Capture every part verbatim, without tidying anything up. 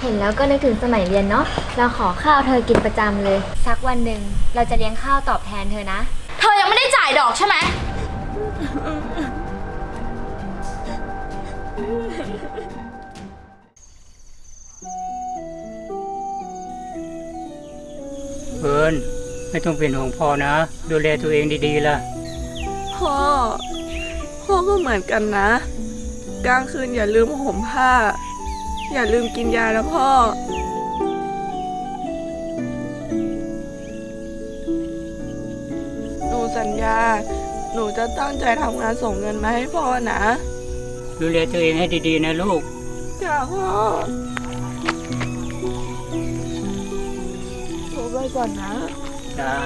เห็นแล้วก็นึกถึงสมัยเรียนเนาะเราขอข้าวเธอกินประจำเลยสักวันหนึ่งเราจะเลี้ยงข้าวตอบแทนเธอนะเธอยังไม่ได้จ่ายดอกใช่ไหมเฟิร์นไม่ต้องเป็นห่วงพ่อนะดูแลตัวเองดีๆล่ะพ่อพ่อก็เหมือนกันนะกลางคืนอย่าลืมห่มผ้าอย่าลืมกินยานะพ่อหนูสัญญาหนูจะตั้งใจทำงานส่งเงินมาให้พ่อนะดูแลตัวเองให้ดีๆนะลูกจ้าพ่อหนูไปก่อนนะจ้า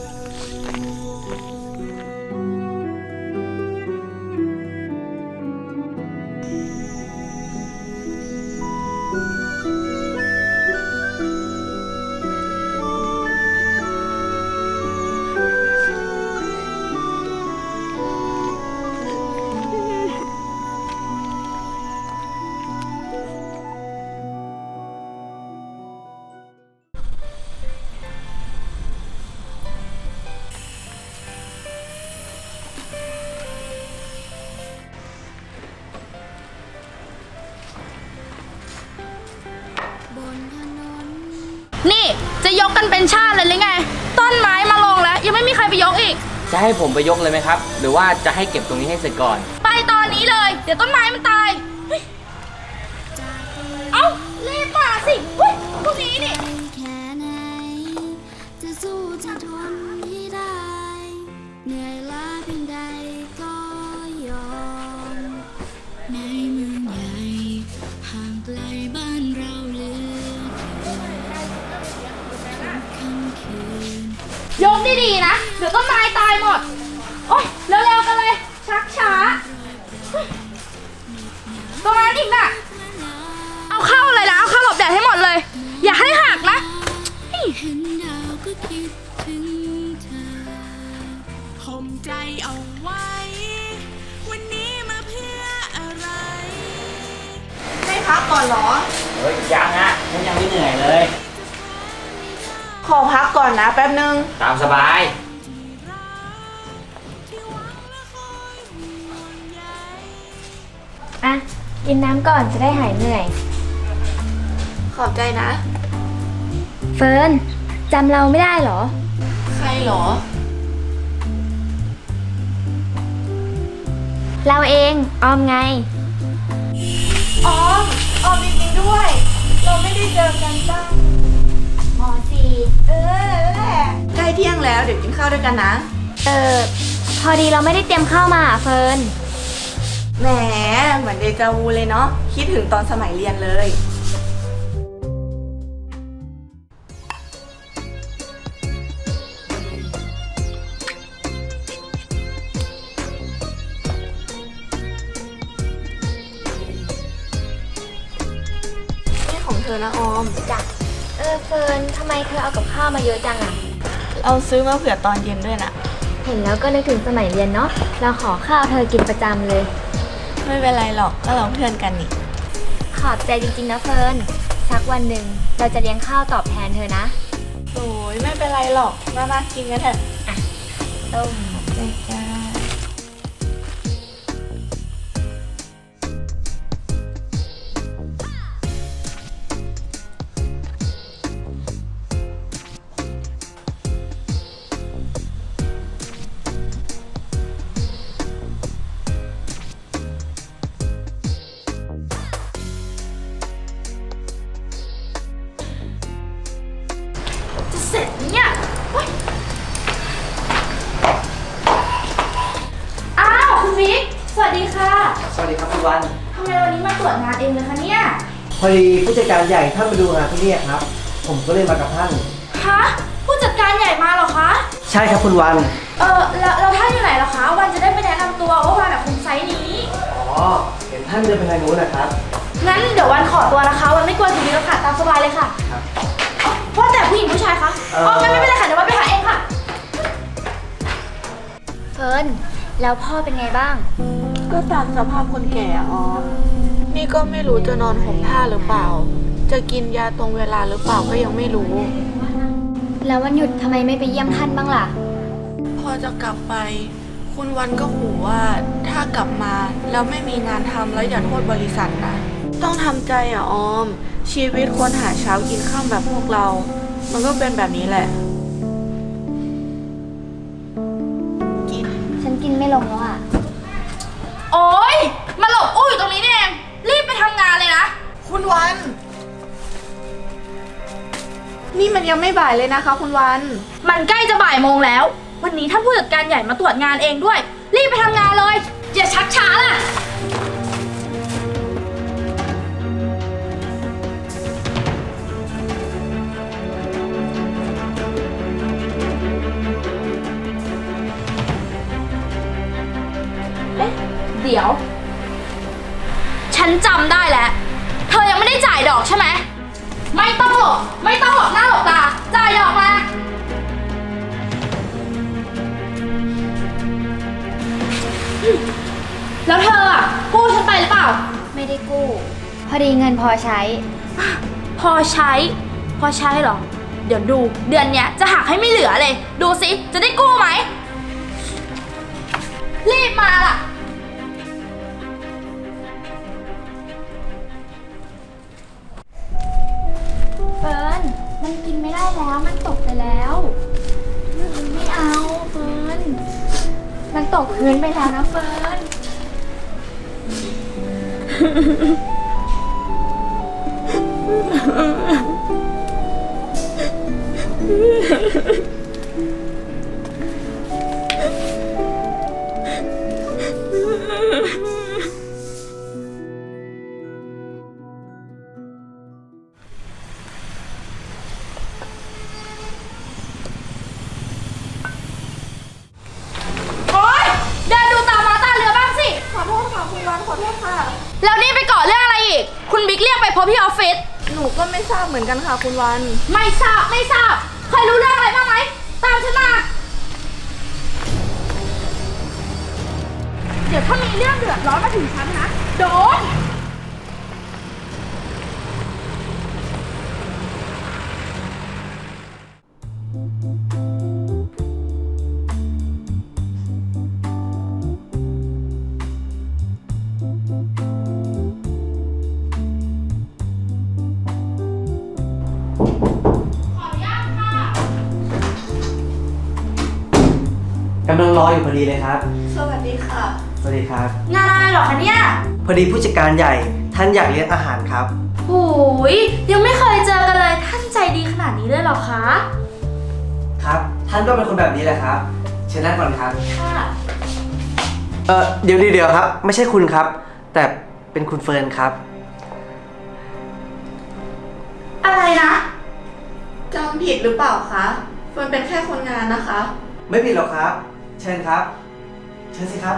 นี่จะยกกันเป็นชาติเลยหรือไงต้นไม้มาลงแล้วยังไม่มีใครไปยกอีกจะให้ผมไปยกเลยไหมครับหรือว่าจะให้เก็บตรงนี้ให้เสร็จก่อนไปตอนนี้เลยเดี๋ยวต้นไม้มันตายเอ้ารีบมาสิเฮ้ยพวกนี้นี่เหนื่อยล้าเพียงใดก็ยอมในเมืองใหญ่ห่างไกลบ้านเราเหลือเกินยกดีๆนะเดี๋ยวต้นไม้ตายหมดโอ๊ยเร็วๆกันเลยชักช้าตรงนั้นอีกน่ะเอาเข้าเลยนะเอาเข้าหลบแดดให้หมดเลยอย่าให้หักนะข่มใจเอาไว้วันนี้มาเพื่ออะไรให้พักก่อนเหรอเฮ้ยยังอ่ะฉันยังไม่เหนื่อยเลยขอพักก่อนนะแป๊บนึงตามสบายอ่ะกินน้ำก่อนจะได้หายเหนื่อยขอบใจนะเฟิร์นจำเราไม่ได้เหรอใครเหรอเราเองออมไงออมออมจริงๆด้วยเราไม่ได้เจอกันตั้งมอสี่เออแหละใกล้เที่ยงแล้วเดี๋ยวกินข้าวด้วยกันนะเออพอดีเราไม่ได้เตรียมข้าวมาเฟิร์นแหมเหมือนเดจาวูเลยเนาะคิดถึงตอนสมัยเรียนเลยเธอนะออมจ้ะเออเฟิร์นทำไมเธอเอากับข้าวมาเยอะจังอ่ะเอาซื้อมาเผื่อตอนเย็นด้วยนะเห็นแล้วก็นึกถึงสมัยเรียนเนาะเราขอข้าวเธอกินประจำเลยไม่เป็นไรหรอกก็เราเพื่อนกันนี่ขอบใจจริงๆนะเฟิร์นสักวันหนึ่งเราจะเลี้ยงข้าวตอบแทนเธอนะโอ้ยไม่เป็นไรหรอกมามากินกันเถอะอ่ะต้มใจจ้าเสร็จเนี่ยอ้าวคุณวิกสวัสดีค่ะสวัสดีครับคุณวันทำไมวันนี้มาตรวจงานเองเลยคะเนี่ยพอดีผู้จัดการใหญ่ท่านมาดูงานที่นี่ครับผมก็เลยมากับท่านฮะผู้จัดการใหญ่มาเหรอคะใช่ครับคุณวันเออแล้วแล้วท่านอยู่ไหนเหรอคะวันจะได้ไปแนะนำตัวว่าวันแบบคุมไซส์นี้อ๋อเห็นท่านเดินไปทางนู้นนะครับงั้นเดี๋ยววันขอตัวนะคะวันไม่กลัวถึงนี้แล้วค่ะตามสบายเลยค่ะครับว่าแต่ผู้หญิงผู้ชายคะอ๋องั้นไม่เป็นไรค่ะเดี๋ยววันไปหาเองค่ะเฟิร์นแล้วพ่อเป็นไงบ้างก็ตามสภาพคนแก่อ๋อนี่ก็ไม่รู้จะนอนห่มผ้าหรือเปล่าจะกินยาตรงเวลาหรือเปล่าก็ยังไม่รู้แล้ววันหยุดทำไมไม่ไปเยี่ยมท่านบ้างล่ะพอจะกลับไป คุณวันก็ขู่ว่าถ้ากลับมาแล้วไม่มีงานทำแล้วอย่าโทษบริษัทนะ ต้องทำใจอ่ะออม ชีวิตคนหาเช้ากินข้ามแบบพวกเรา มันก็เป็นแบบนี้แหละ กินฉันกินไม่ลงแล้วอ่ะโอ๊ย มาหลบอู้อยู่ตรงนี้นี่เอง รีบไปทำงานเลยนะคุณวัน นี่มันยังไม่บ่ายเลยนะคะ คุณวันมันใกล้จะบ่ายโมงแล้ว วันนี้ท่านผู้จัดการใหญ่มาตรวจงานเองด้วย รีบไปทำงานเลย อย่าชักช้าล่ะ เอ๊ะ เดี๋ยว ฉันจำได้แล้ว เธอยังไม่ได้จ่ายดอกใช่ไหม ไม่ต้องหลบ ไม่ต้องหลบหน้าหลบตา จ่ายดอกมา แล้วเธออ่ะกู้ฉันไปหรือเปล่าไม่ได้กู้ พอดีเงินพอใช้พอใช้ พอใช้เหรอ เดี๋ยวดู เดือนเนี้ยจะหักให้ไม่เหลือเลย ดูสิ จะได้กู้ไหม รีบมาล่ะเฟิร์น มันกินไม่ได้แล้ว มันตกไปแล้วไม่เอาเฟิร์น มันตกพื้นไปแล้วนะเฟิร์นโอ๊ย เดินดูตามาตาเรือบ้างสิขอโทษค่ะคุณวันขอโทษค่ะแล้วนี่ไปก่อเรื่องอะไรอีก คุณบิ๊กเรียกไปพบที่ออฟฟิศหนูก็ไม่ทราบเหมือนกันค่ะคุณวันไม่ทราบ ไม่ทราบ เคยรู้เรื่องอะไรบ้างไหม ตามฉันมา เดี๋ยวถ้ามีเรื่องเดือดร้อนมาถึงฉันนะ โดนกำลังรออยู่พอดีเลยครับสวัสดีค่ะสวัสดีครับงานอะไรเหรอคะเนี่ยพอดีผู้จัดการใหญ่ท่านอยากเลี้ยงอาหารครับโอ้ยยังไม่เคยเจอกันเลย ท่านใจดีขนาดนี้เลยเหรอคะครับ ท่านก็เป็นคนแบบนี้แหละครับ เชิญนั่งก่อนครับค่ะเออเดี๋ยวเดี๋ยวครับ ไม่ใช่คุณครับ แต่เป็นคุณเฟิร์นครับอะไรนะจำผิดหรือเปล่าคะเฟิร์นเป็นแค่คนงานนะคะไม่ผิดหรอกครับ เชิญครับ เชิญสิครับ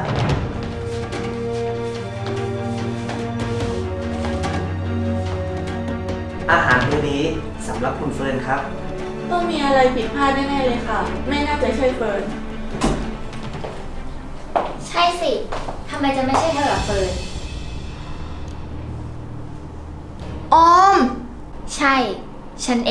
อาหารมื้อนี้สำหรับคุณเฟิร์นครับต้องมีอะไรผิดพลาดแน่ๆเลยค่ะ ไม่น่าจะใช่เฟิร์นใช่สิ ทำไมจะไม่ใช่เธอล่ะเฟิร์นออมใช่ ฉันเอง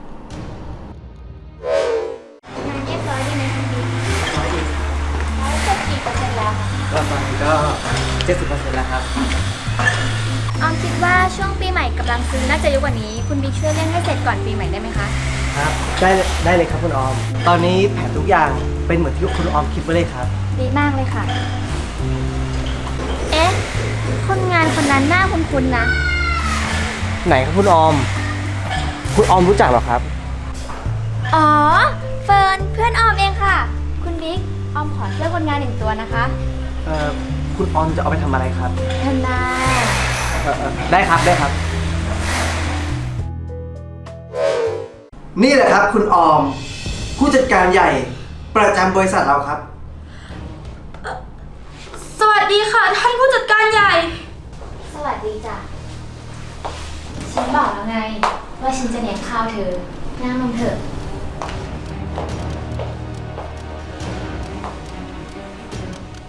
งานเรียบร้อยดีไหมคุณบิ๊กร้อยดีร้อยเจ็ดกี่เปอร์เซ็นต์แล้วคะก็ตอนนี้ก็ เจ็ดสิบเปอร์เซ็นต์ แล้วครับออมคิดว่าช่วงปีใหม่กำลังซื้อน่าจะเยอะกว่านี้ คุณบิ๊กช่วยเร่งให้เสร็จก่อนปีใหม่ได้ไหมคะครับ ได้ได้เลยครับคุณออม ตอนนี้แผนทุกอย่างเป็นเหมือนที่คุณออมคิดไว้เลยครับดีมากเลยค่ะ เอ๊ะ คนงานคนนั้นหน้าคุ้นๆนะไหนครับคุณออม คุณออมรู้จักเหรอครับอ๋อ เฟิร์นเพื่อนออมเองค่ะ คุณบิ๊ก ออมขอเสื้อคนงานหนึ่งตัวนะคะเอ่อ คุณออมจะเอาไปทำอะไรครับเธอนาเอ่อเอ่อได้ครับได้ครับ นี่แหละครับคุณออม ผู้จัดการใหญ่ประจำบริษัทเราครับสวัสดีค่ะ ท่านผู้จัดการใหญ่สวัสดีจ้ะ ฉันบอกแล้วไง ว่าฉันจะเลี้ยงข้าวเธอ นั่งลงเถอะ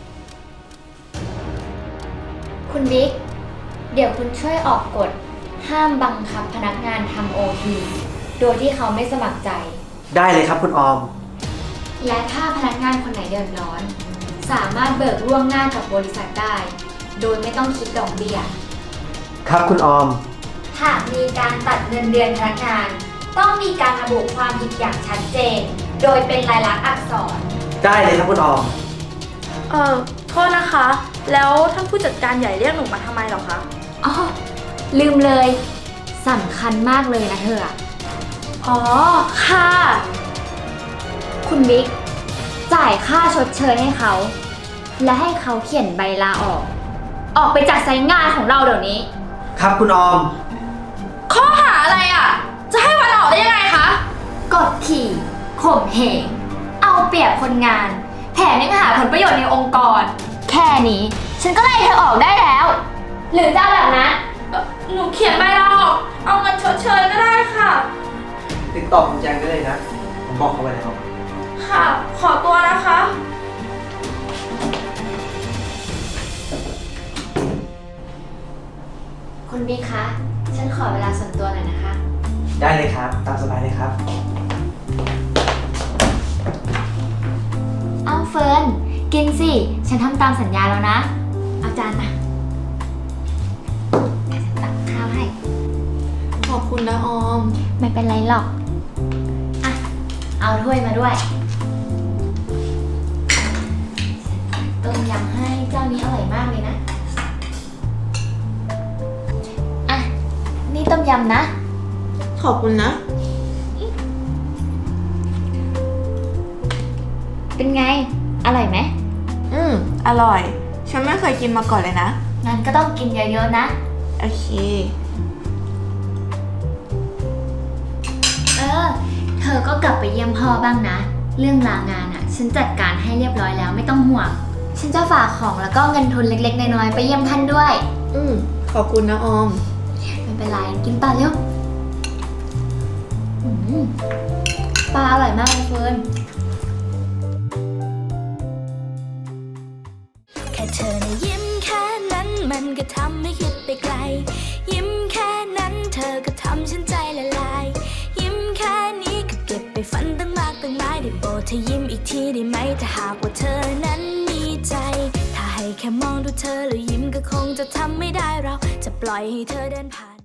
คุณบิ๊ก เดี๋ยวคุณช่วยออกกฎ ห้ห้ามบังคับพนักงานทำโอทีโดยที่เขาไม่สมัครใจได้เลยครับคุณออมและถ้าพนักงานคนไหนเดือดร้อน สามารถเบิกล่วงหน้ากับบริษัทได้ โดยไม่ต้องคิดดอกเบี้ยครับคุณออมหากมีการตัดเงินเดือนพนักงาน ต้องมีการระบุความผิดอย่างชัดเจน โดยเป็นลายลักษณ์อักษรได้เลยครับคุณออมเออโทษนะคะ แล้วท่านผู้จัดการใหญ่เรียกหนูมาทำไมเหรอคะอ๋อ ลืมเลยสำคัญมากเลยนะเธออะอ๋อ ค่ะคุณบิ๊กจ่ายค่าชดเชยให้เขา และให้เขาเขียนใบลาออก ออกไปจากไซต์งานของเราเดี๋ยวนี้ครับคุณออมข้อหาอะไรอ่ะ จะให้วันออกได้ยังไงคะกดขี่ข่มเหงเอาเปรียบคนงาน แถมยังหาผลประโยชน์ในองค์กร แค่นี้ ฉันก็ไล่เธอออกได้แล้ว หรือจะเอาแบบนั้นหนูเขียนใบลาออก เอาเงินชดเชยก็ได้ค่ะติดต่อคุณแจงได้เลยนะ ผมบอกเขาไว้แล้วค่ะ ขอตัวนะคะคุณบิ๊กคะ ฉันขอเวลาส่วนตัวหน่อยนะคะได้เลยครับ ตามสบายเลยครับเอาเฟิร์น กินสิ ฉันทำตามสัญญาแล้วนะ เอาจานมาเดี๋ยวฉันตักข้าวให้ขอบคุณนะออมไม่เป็นไรหรอก อ่ะ เอาถ้วยมาด้วยต้มยำให้เจ้านี้อร่อยมากเลยนะ อ่ะ นี่ต้มยำนะขอบคุณนะเป็นไง อร่อยไหมอืม อร่อย ฉันไม่เคยกินมาก่อนเลยนะงั้นก็ต้องกินเยอะๆนะโอเคเออ เธอก็กลับไปเยี่ยมพ่อบ้างนะ เรื่องลางานอะ่ะ ฉันจัดการให้เรียบร้อยแล้วไม่ต้องห่วง ฉันจะฝากของแล้วก็เงินทุนเล็กๆน้อยๆไปเยี่ยมท่านด้วยอืม ขอบคุณนะออมไม่เป็นไร กินต่อเร็วอืมปลาอร่อยมากเลยเฟิร์นแค่เธอนะยิ้มแค่นั้นมันก็ทำให้คิดไปไกล ยิ้มแค่นั้นเธอก็ทำฉันใจละลาย ยิ้มแค่นี้ก็เก็บไปฝันตั้งมากตั้งหลายได้โปรดเธอยิ้มอีกทีได้ไหมถ้าหากว่าเธอนั้นมีใจ ถ้าให้แค่มองดูเธอแล้วยิ้มก็คงจะทำไม่ได้เราจะปล่อยให้เธอเดินผ่าน